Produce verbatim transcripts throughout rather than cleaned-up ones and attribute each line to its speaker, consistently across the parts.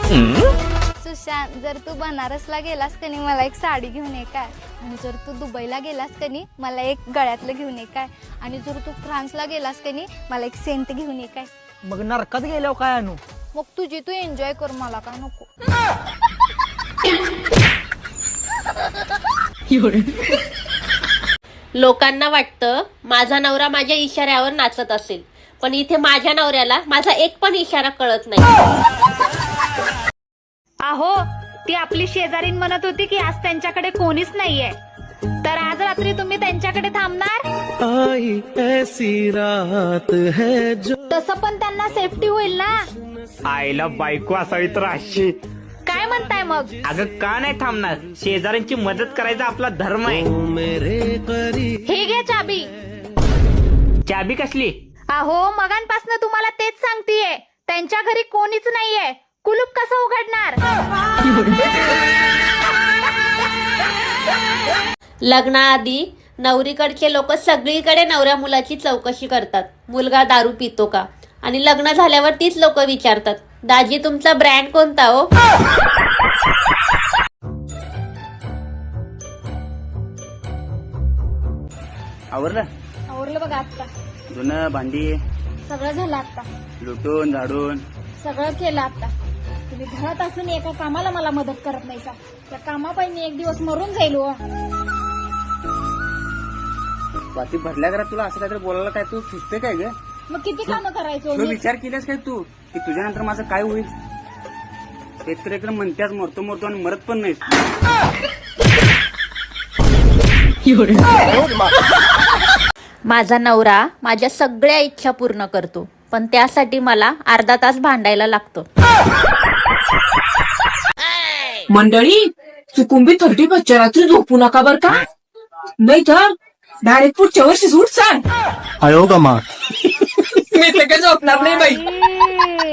Speaker 1: सुशांत, जर तू बनारसला गेलास का नाही मला एक साडी घेऊन ये काय, आणि जर तू दुबईला गेलास का नाही मला एक गळ्यातलं घेऊन ये काय, आणि जर तू फ्रान्सला गेलास का नाही मला एक सेंट घेऊन ये काय.
Speaker 2: मग नरकात गेल्यावर काय आणू?
Speaker 1: मग तुझी तू एन्जॉय कर, मला काय नको.
Speaker 3: लोकांना वाटतं माझा नवरा माझ्या इशाऱ्यावर नाचत असेल, पण इथे माझ्या नवऱ्याला माझा एक पण इशारा कळत नाही.
Speaker 1: अहो, ती आपली शेजारीन म्हणत होती की आज त्यांच्याकडे कोणीच नाहीये, तर आज रात्री तुम्ही त्यांच्याकडे थांबणार?
Speaker 4: आई ऐसी रात है जो.
Speaker 1: तसं पण त्यांना सेफ्टी होईल ना.
Speaker 2: आईला बायको असावी तर अशी.
Speaker 1: काय म्हणताय मग?
Speaker 2: अगं का नाही थांबणार, शेजाऱ्यांची मदत करायचा आपला धर्म आहे.
Speaker 4: मेरे करीब.
Speaker 1: हे घे चाबी.
Speaker 2: चाबी कसली?
Speaker 1: अहो, मगांपासून तुम्हाला तेच सांगतेय, त्यांच्या घरी कोणीच नाहीये, कुलूप कसं उघडणार?
Speaker 3: लग्नाआधी नवरीकडचे लोक सगळीकडे नवऱ्या मुलाची चौकशी करतात, मुलगा दारू पितो का, आणि लग्न झाल्यावर तीच लोक विचारतात, दाजी तुमचा ब्रँड कोणता हो?
Speaker 2: आवरलं?
Speaker 1: आवरलं बघा आता.
Speaker 2: जुनं भांडी
Speaker 1: सगळं झालं आता.
Speaker 2: लुटून झाडून
Speaker 1: सगळं केलं आता. तुम्ही घरात असून एका कामाला मला मदत करत नाही का? त्या कामापायी एक दिवस मरून जाईल हो.
Speaker 2: बाती भरल्या घरात तुला असं काहीतरी बोलायला काय तू सुचते काय ग?
Speaker 1: मग किती कामं करायचो?
Speaker 2: तू विचार केलास काय तू की तुझ्यानंतर माझं काय होईल? एक तर एकदम म्हणत्याच मरतो मरतो आणि मरत पण नाही.
Speaker 3: माझा नवरा माझ्या सगळ्या इच्छा पूर्ण करतो, पण त्यासाठी मला अर्धा तास भांडायला लागतो.
Speaker 5: मंडळी, चुकुंबी थर्टी बसच्या रात्री झोपू नका बर का, नाही तर डायरेक्ट पुढच्या वर्षी सूट सांग.
Speaker 4: आयो का मा.
Speaker 5: मी तर काय झोपणार नाही बाई.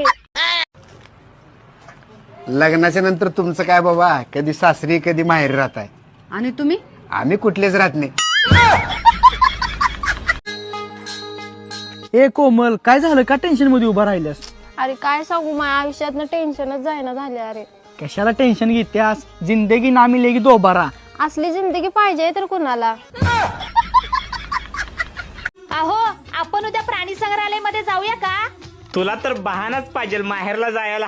Speaker 6: लग्नाच्या नंतर तुमचं काय बाबा, कधी सासरी कधी माहेरी राहताय,
Speaker 7: आणि तुम्ही?
Speaker 6: आम्ही कुठलेच राहत नाही.
Speaker 2: ए कोमल, काय झालं का टेन्शन मध्ये उभा राहिल्यास?
Speaker 1: अरे काय सांगू, माझ्या आयुष्यातनं टेन्शनच जायना झाले. अरे
Speaker 2: कशाला टेन्शन घेत्यास, जिंदगी ना मिलेगी दोबारा.
Speaker 1: असली जिंदगी पाहिजे तर कुणाला? अहो, आपण उद्या प्राणी संग्रहालय मध्ये जाऊया का?
Speaker 2: तुला तर बहानाच पाहिजे माहेरला जायला.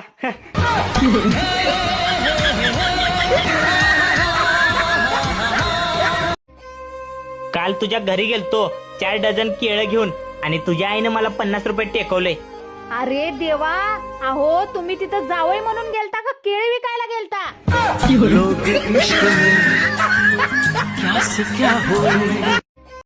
Speaker 2: काल तुझ्या घरी गेलतो चार डझन केळं घेऊन, आणि तुझ्या आईने मला पन्नास रुपये टेकवले.
Speaker 1: अरे देवा, अहो तुम्ही तिथं जावई म्हणून गेलता का केळी विकायला गेलता?
Speaker 4: लोग इश्क में क्या से क्या होए.